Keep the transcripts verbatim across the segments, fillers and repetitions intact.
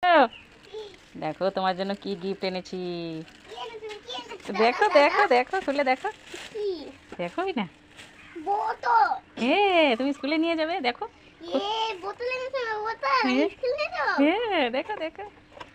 দেখো তোমার জন্য কি গিফট এনেছি। দেখো দেখো দেখো খুলে দেখো, দেখোই না বোতল। এ তুমি স্কুলে নিয়ে যাবে। দেখো এ বোতল এনেছে, বোতল হ্যাঁ। স্কুলে নিয়ে যাবো। হ্যাঁ দেখো দেখো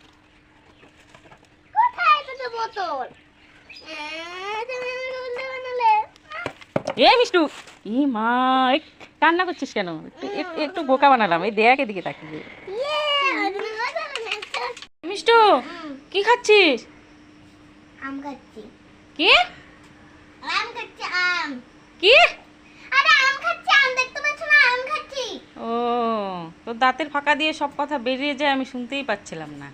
কোথায় তো বোতল? এ তুমি আমাকে উল্টে বানালে। এ মিষ্টু, ই মা এই কান্না করছিস কেন? একটু একটু- একটু বোকা বানালাম। এই দেখ এদিকে তাকিয়ে। ইয়ে তুমি বোতল এনেছো। মিষ্টু কি খাচ্ছিস? আম খাচ্ছি। কি আম খাচ্ছি আম। কি? আরে আম খাচ্ছি, আম দেখতে পাচ্ছ না? আম খাচ্ছি। ও তোর দাঁতের ফাঁকা দিয়ে সব কথা বেরিয়ে যায়, আমি শুনতেই পাচ্ছিলাম না।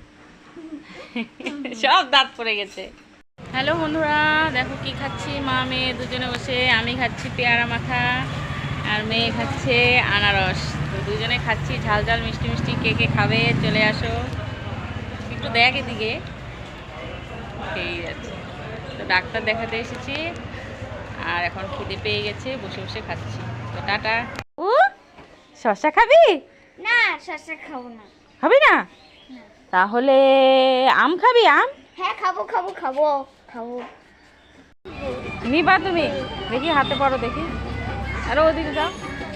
সব দাঁত পড়ে গেছে। হ্যালো বন্ধুরা, দেখো কি খাচ্ছি। মা মেয়ে দুজনে বসে, আমি খাচ্ছি পেয়ারা মাখা আর মেয়ে খাচ্ছে আনারস। তো দুজনে খাচ্ছি ঝাল ঝাল মিষ্টি মিষ্টি। কে কে খাবে চলে আসো, একটু দেখ এদিকে। খেয়েই যাচ্ছে। তো ডাক্তার দেখাতে এসেছি আর এখন খিদে পেয়ে গেছে, বসে বসে খাচ্ছি। তো টাটা। ও শসা খাবি? না শসা খাবো না। খাবি না? তাহলে আম খাবি? আম হ্যাঁ খাবো খাবো খাবো খাবো। নিবা তুমি? দেখি হাতে পড়ো দেখি। আরো ওদিকে যাও।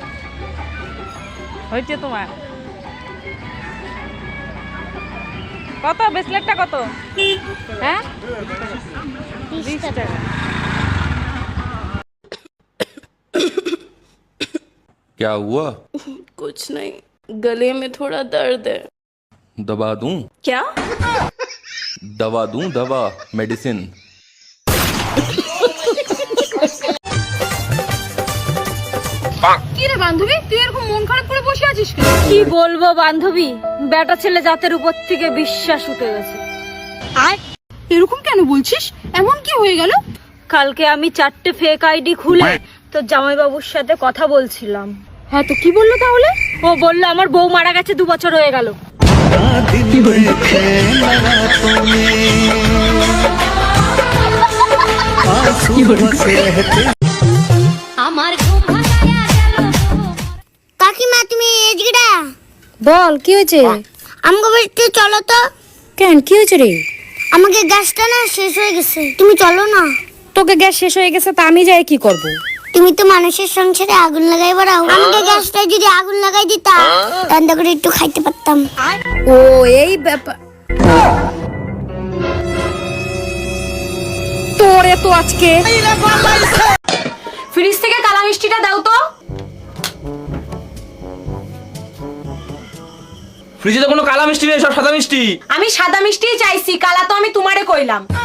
হয়েছে তোমার কত? ব্রেসলেটটা কত? হ্যাঁ বিশ টাকা। क्या हुआ? कुछ नहीं, गले में थोड़ा दर्द है। दवा दूं? क्या? दवा दूं? दवा, मेडिसिन। কি রে বান্ধবী, তুই এরকম মন খারাপ করে বসে আছিস কেন? কি বলবো বান্ধবী, বেটা ছেলে জাতের উপর থেকে বিশ্বাস উঠে গেছে। আয়, এরকম কেন বলছিস? এমন কি হয়ে গেল? কালকে আমি চারটে ফেক আইডি খুলে তো জামাইবাবুর সাথে কথা বলছিলাম। হ্যাঁ তো কি বললো তাহলে? ও বললো আমার বউ মারা গেছে, দু বছর হয়ে গেল। আমার কাকিমা তুমি এদিকেটা বল কি হয়েছে? আমাকে বাড়িতে চলো তো। কেন কি হয়েছে রে? আমাকে গ্যাসটা না শেষ হয়ে গেছে, তুমি চলো না। তোকে গ্যাস শেষ হয়ে গেছে তা আমি যাই কি করব? তুমি তো মানুষের সংসারে আগুন লাগাই বেড়াও, আমাকে গ্যাসটা যদি আগুন লাগাই দিতা রান্না করে একটু খাইতে পারতাম। ও এই ব্যাপার। তোরে তো আজকে ফ্রিজ থেকে কালা মিষ্টিটা দাও তো। ফ্রিজে তো কোনো কালা মিষ্টি নেই, সব সাদা মিষ্টি। আমি সাদা মিষ্টিই চাইছি, কালা তো আমি তোমারে কইলাম।